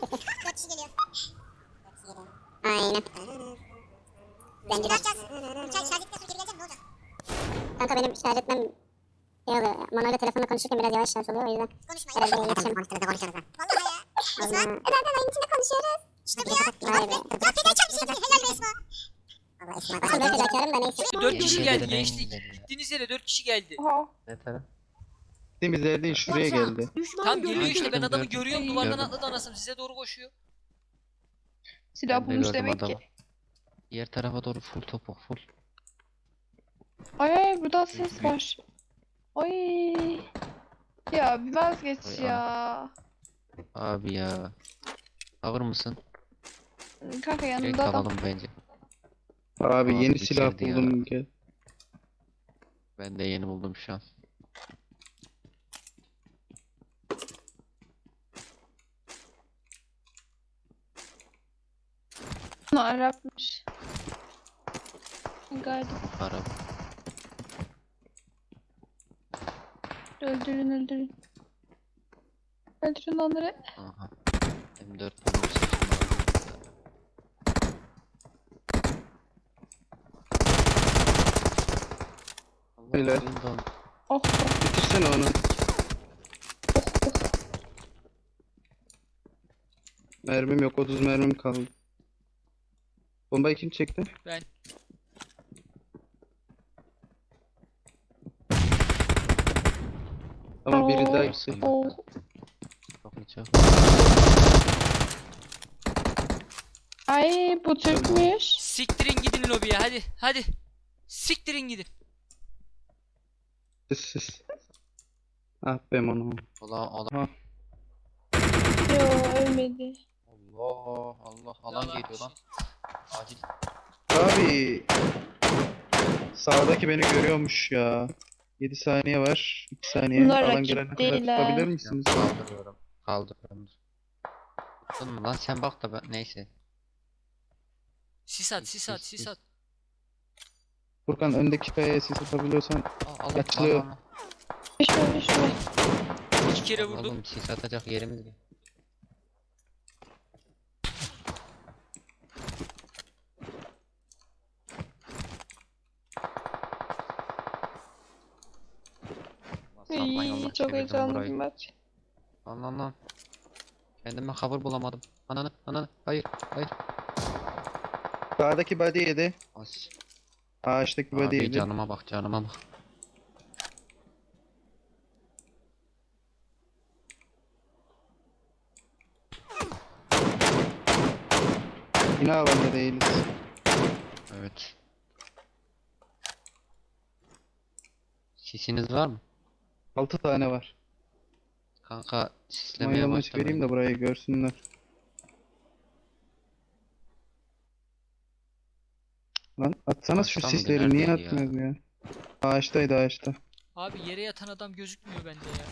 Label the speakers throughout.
Speaker 1: 4 kişi geliyor.
Speaker 2: Aynen.
Speaker 1: Şimdi ne yapacağız? Uçak şarj ettikten sonra geri geleceğim, ne olacak?
Speaker 2: Kanka benim şarj etmem şey oluyor. Manoyla telefonla konuşurken biraz yavaş şarj oluyor o yüzden.
Speaker 1: Konuşmayın.
Speaker 2: Herhalde iletişim.
Speaker 1: Vallahi ya. Esma.
Speaker 2: Zaten oyun içinde konuşuyoruz.
Speaker 1: İşte bu ya. Ya fedaçar bir şeydi. Helal be Esma.
Speaker 2: Allah Esma. Aslında ben fedakarım da neyse.
Speaker 3: 4 kişi
Speaker 4: Yemin
Speaker 3: geldi
Speaker 4: ederim en
Speaker 3: gençlik.
Speaker 4: güzeli ya.
Speaker 3: Gittiğiniz yere 4 kişi geldi.
Speaker 5: Oha.
Speaker 4: Ne taraf?
Speaker 6: Gittiğimiz yer değil şuraya geldi.
Speaker 3: Tam geliyor işte, ben adamı
Speaker 4: gördüm.
Speaker 3: görüyorum, duvardan
Speaker 4: Gördüm.
Speaker 3: atladı anasını, size doğru koşuyor.
Speaker 5: Silah
Speaker 4: Ben de
Speaker 5: bulmuş
Speaker 4: gördüm
Speaker 5: demek
Speaker 4: adamı.
Speaker 5: ki.
Speaker 4: Diğer tarafa doğru full topuk full.
Speaker 5: Ay buradan ses var. Ay. Ya bir vazgeç
Speaker 4: Ay,
Speaker 5: ya.
Speaker 4: Abi ya. Alır mısın?
Speaker 5: Kanka
Speaker 4: Direkt
Speaker 5: yanında adam.
Speaker 4: alalım bence.
Speaker 6: Abi
Speaker 4: Abi
Speaker 6: yeni silah
Speaker 4: bitirdi ya.
Speaker 6: buldum gel.
Speaker 4: Ben de yeni buldum şu an.
Speaker 5: Bunu Arapmış. Galiba.
Speaker 4: Arap.
Speaker 5: Öldürün öldürün. Öldürün onları.
Speaker 4: Aha. M4 buldum seçtim abi. Allah
Speaker 6: Helal.
Speaker 4: Allah.
Speaker 5: Oh oh
Speaker 6: Bitirsene onu. Mermim yok 30 mermim kaldı. Bombayı kim çekti?
Speaker 3: Ben.
Speaker 6: Ama biri daha
Speaker 5: Oo.
Speaker 6: gitti.
Speaker 5: oh.
Speaker 4: Çok iyi çok.
Speaker 5: Ay bu Türkmüş.
Speaker 3: Siktirin gidin lobiye, hadi hadi. Siktirin gidin.
Speaker 6: Siz. Ah be mano.
Speaker 4: Allah
Speaker 5: Yo ölmedi.
Speaker 4: Allah Allah alan
Speaker 3: Yalan.
Speaker 4: geliyor lan. Acil.
Speaker 6: Abi. Sağdaki beni görüyormuş ya. 7 saniye var. 2 saniye.
Speaker 5: Bunlar
Speaker 6: Alan
Speaker 5: rakip
Speaker 6: gelene kadar
Speaker 5: değil ha.
Speaker 6: tutabilir
Speaker 4: Ya,
Speaker 6: misiniz?
Speaker 4: kaldırıyorum. Kaldırıyorum. Tuttun mu lan sen bak da ben neyse.
Speaker 3: Sis at, sis at, sis at.
Speaker 6: Furkan öndeki kayaya sis atabiliyorsan
Speaker 4: Al
Speaker 6: Açılıyor.
Speaker 5: Düşme düşme.
Speaker 3: 2 kere vurdum.
Speaker 4: Oğlum sis atacak yerimiz yok. Sapmayın Allah
Speaker 5: İyi çok
Speaker 4: çevirdim
Speaker 5: heyecanlı bir
Speaker 4: burayı.
Speaker 5: maç.
Speaker 4: Lan. Kendime cover bulamadım. Ananı. Hayır.
Speaker 6: sağdaki body yedi.
Speaker 4: As.
Speaker 6: Ağaçtaki body
Speaker 4: Abi
Speaker 6: yedi.
Speaker 4: canıma bak.
Speaker 6: Yine alanda değiliz.
Speaker 4: Evet. Sisiniz var mı?
Speaker 6: 6 tane var.
Speaker 4: Kanka sislemeye
Speaker 6: Mayalamış vereyim
Speaker 4: başlamayın.
Speaker 6: de burayı görsünler. Lan atsana şu
Speaker 4: Ağaçtan mıydı?
Speaker 6: sisleri niye
Speaker 4: Neredeydi ya?
Speaker 6: atmıyorsun ya? Ağaçtaydı ağaçta.
Speaker 3: Abi yere yatan adam gözükmüyor bende ya.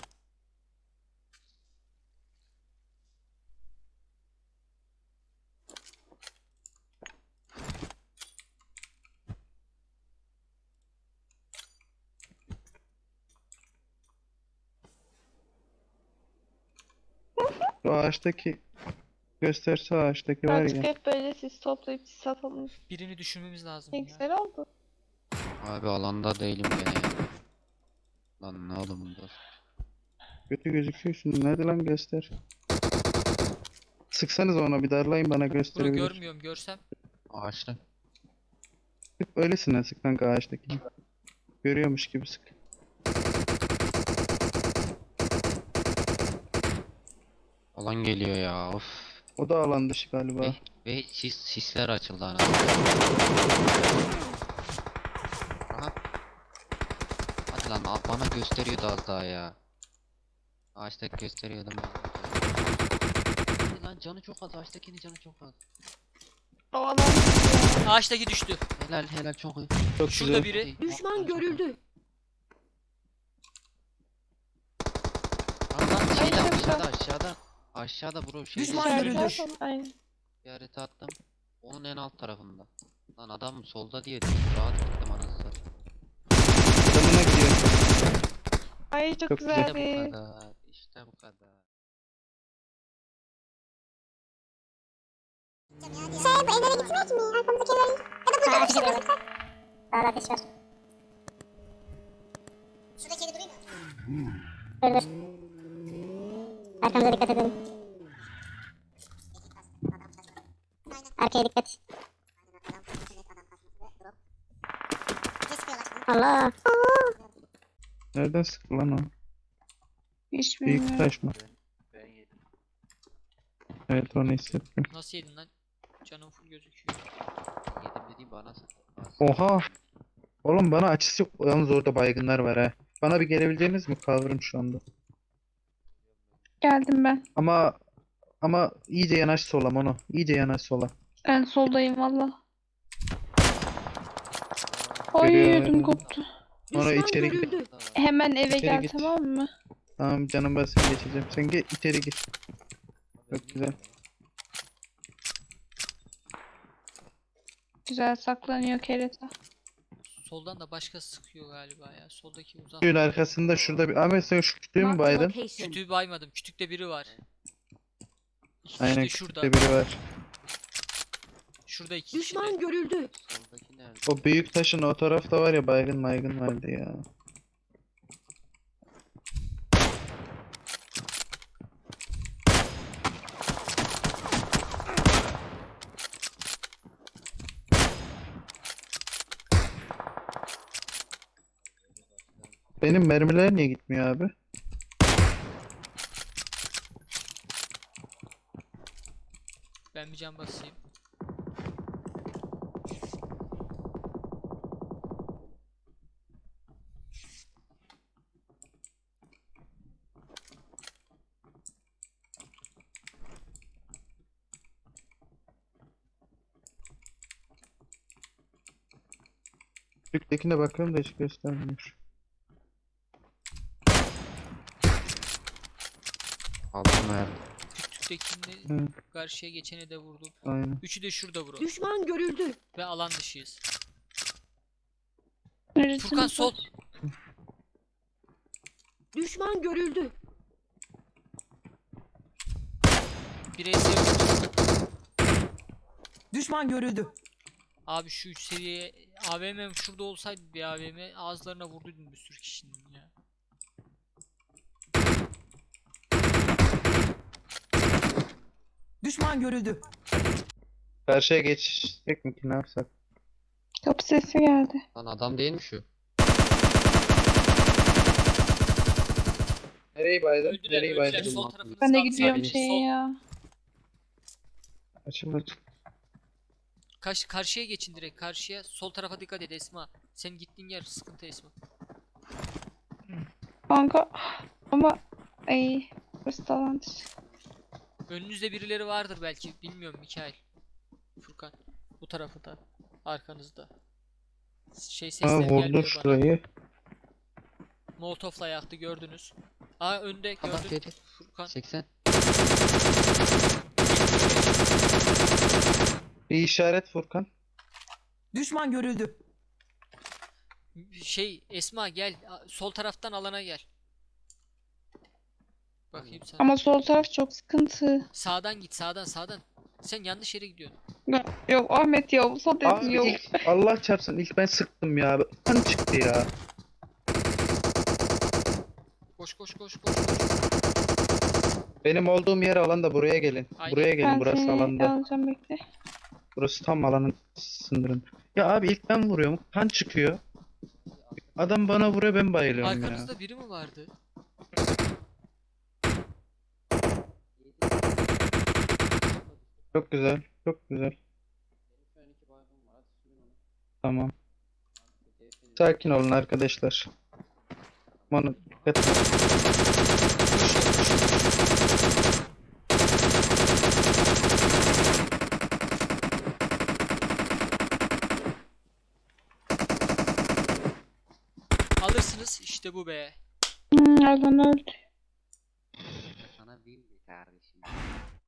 Speaker 6: Şu ağaçtaki gösterse ağaçtaki var
Speaker 5: Artık
Speaker 6: ya.
Speaker 5: hep böyle siz toplayıp siz satalım.
Speaker 3: Birini düşürmemiz lazım
Speaker 5: Ne
Speaker 3: ya.
Speaker 5: güzel oldu.
Speaker 4: Abi alanda değilim gene ya. Lan ne oğlum bu?
Speaker 6: Kötü gözüküyorsun. Nerede lan göster. Sıksanız ona bir darlayın bana
Speaker 3: Bunu
Speaker 6: gösterebilir.
Speaker 3: görmüyorum, görsem.
Speaker 4: Ağaçta.
Speaker 6: Sık öylesine sık kanka ağaçtaki. Görüyormuş gibi sık.
Speaker 4: Alan geliyor ya of.
Speaker 6: O da alan dışı galiba.
Speaker 4: Ve sisler açıldı ana. Aha. Hadi lan bana gösteriyordu az daha ya. Ağaçtaki gösteriyordu ama. Hadi lan canı çok az, ağaçtakinin canı çok az.
Speaker 5: O adam
Speaker 3: Ağaçtaki düştü.
Speaker 4: Helal çok iyi.
Speaker 6: Çok
Speaker 3: Şurada
Speaker 6: güzel.
Speaker 3: biri.
Speaker 7: Düşman görüldü.
Speaker 4: Lan şeyde
Speaker 5: Ay, çok
Speaker 4: aşağıda. Aşağıda bro şey.
Speaker 7: Düşman
Speaker 5: içeride
Speaker 7: görüldü.
Speaker 5: zaten. Aynen.
Speaker 4: İşareti attım. Onun en alt tarafında. Lan adam solda diye rahat gittim anasını satayım.
Speaker 6: Adamına gidiyor.
Speaker 5: Ay çok
Speaker 6: Çok güzel.
Speaker 4: İşte bu
Speaker 5: güzeldi.
Speaker 4: kadar. İşte bu kadar.
Speaker 1: Şey bu evlere gitmek mi? Arkamızdaki evlere. Ya da burada
Speaker 2: Ha,
Speaker 1: bir şey
Speaker 2: ateş
Speaker 1: var.
Speaker 2: Sağda ateş var.
Speaker 1: Şuradaki evde durayım mı?
Speaker 2: Dur dur. Arkamıza dikkat edin. Arkaya dikkat. Allah.
Speaker 6: Nereden sıktı lan o?
Speaker 5: Hiç
Speaker 6: Büyük
Speaker 5: bilmiyorum.
Speaker 6: taş mı? Evet onu hissettim.
Speaker 3: Nasıl yedin lan? Canım full gözüküyor.
Speaker 4: Yedim dediğim bana sıktı.
Speaker 6: Oha! Oğlum bana açısı yok. Yalnız orada baygınlar var ha. Bana bir gelebileceğiniz mi? Cover'ım şu anda.
Speaker 5: Geldim ben.
Speaker 6: Ama iyice yanaş sola Mono. İyice yanaş sola.
Speaker 5: En soldayım valla. Ay
Speaker 6: Görüyorum.
Speaker 5: ödüm koptu.
Speaker 6: Mono içeri git.
Speaker 5: Hemen eve
Speaker 6: İçeri
Speaker 5: gel
Speaker 6: git.
Speaker 5: tamam mı?
Speaker 6: Tamam canım ben seni geçeceğim. Sen git içeri gir. Çok güzel.
Speaker 5: Güzel saklanıyor kereta.
Speaker 3: Soldan da başka sıkıyor galiba ya. Soldaki uzak.
Speaker 6: Suyun arkasında şurada bir... Ahmet sen şu kütüğü mü baydın?
Speaker 3: Kütüğü baymadım. Kütükte biri var. İki
Speaker 6: Aynen
Speaker 3: kişi de şurada.
Speaker 6: kütükte biri var.
Speaker 3: Şurada iki kişi de.
Speaker 7: Düşman görüldü.
Speaker 4: Soldaki nerede?
Speaker 6: O büyük taşın o tarafta var ya baygın vardı ya. Benim mermiler niye gitmiyor abi?
Speaker 3: Ben bir can basayım.
Speaker 6: Büyüktekine bakalım da hiç göstermiyor.
Speaker 4: Aldım verdim.
Speaker 3: Kütüktekini
Speaker 6: Hı,
Speaker 3: karşıya geçeni de vurdum.
Speaker 6: aynen.
Speaker 3: Üçü de şurada bro.
Speaker 7: Düşman görüldü.
Speaker 3: Ve alan dışıyız.
Speaker 5: Neresiniz?
Speaker 3: Furkan sol.
Speaker 7: Düşman görüldü.
Speaker 3: Bireysel vurdu.
Speaker 8: Düşman görüldü.
Speaker 3: Abi şu 3 seviye AVM şurada olsaydı bir AVM ağızlarına vurduydum bir sürü kişinin ya.
Speaker 8: Düşman görüldü.
Speaker 6: Karşıya geçecek mi ki ne yapsak?
Speaker 5: Kapı sesi geldi.
Speaker 4: Lan adam değil mi şu?
Speaker 6: Nereyi baydın?
Speaker 3: Öldüler
Speaker 6: Nereyi
Speaker 3: öldüler.
Speaker 6: baydın?
Speaker 3: Sol tarafınız
Speaker 5: Ben de
Speaker 3: kaldı
Speaker 5: gidiyorum
Speaker 3: sadece.
Speaker 5: şeye
Speaker 3: Sol.
Speaker 5: ya.
Speaker 6: Açılır.
Speaker 3: Karşıya geçin direkt karşıya. Sol tarafa dikkat et Esma. Senin gittiğin yer sıkıntı Esma.
Speaker 5: Kanka ama ay burası da alan dışı.
Speaker 3: Önünüzde birileri vardır belki. Bilmiyorum Mikail. Furkan. Bu tarafı da. Arkanızda. Şey
Speaker 6: Aa
Speaker 3: sesleri
Speaker 6: vurdu
Speaker 3: gelmiyor bana.
Speaker 6: şurayı.
Speaker 3: Molotov'la yaktı gördünüz. Aa önde
Speaker 4: Adam
Speaker 3: gördün.
Speaker 4: dedi.
Speaker 3: Furkan.
Speaker 4: 80.
Speaker 6: Bir işaret Furkan.
Speaker 8: Düşman görüldü.
Speaker 3: Şey Esma gel. Sol taraftan alana gel. Bakayım sana.
Speaker 5: Ama sol taraf çok sıkıntı.
Speaker 3: Sağdan git sağdan. Sen yanlış yere gidiyorsun.
Speaker 5: Yok Ahmet ya bu sol dedim
Speaker 6: Abi
Speaker 5: yok.
Speaker 6: Allah çarpsın ilk ben sıktım ya. Kan çıktı ya.
Speaker 3: Koş.
Speaker 6: Benim olduğum yer alanda buraya gelin.
Speaker 3: Aynen.
Speaker 6: Buraya gelin
Speaker 5: Ben
Speaker 6: burası
Speaker 5: seni
Speaker 6: alanda.
Speaker 5: alacağım bekle.
Speaker 6: Burası tam alanın sınırın. Ya abi ilk ben vuruyorum. Kan çıkıyor. Adam bana vuruyor ben bayılıyorum ya.
Speaker 3: Arkanızda biri mi vardı?
Speaker 6: Çok güzel. Çok güzel. Tamam. Sakin olun arkadaşlar. Bana dikkat edin.
Speaker 3: Alırsınız işte bu be.
Speaker 5: Alan öldü.
Speaker 4: Sana değil mi kardeşim?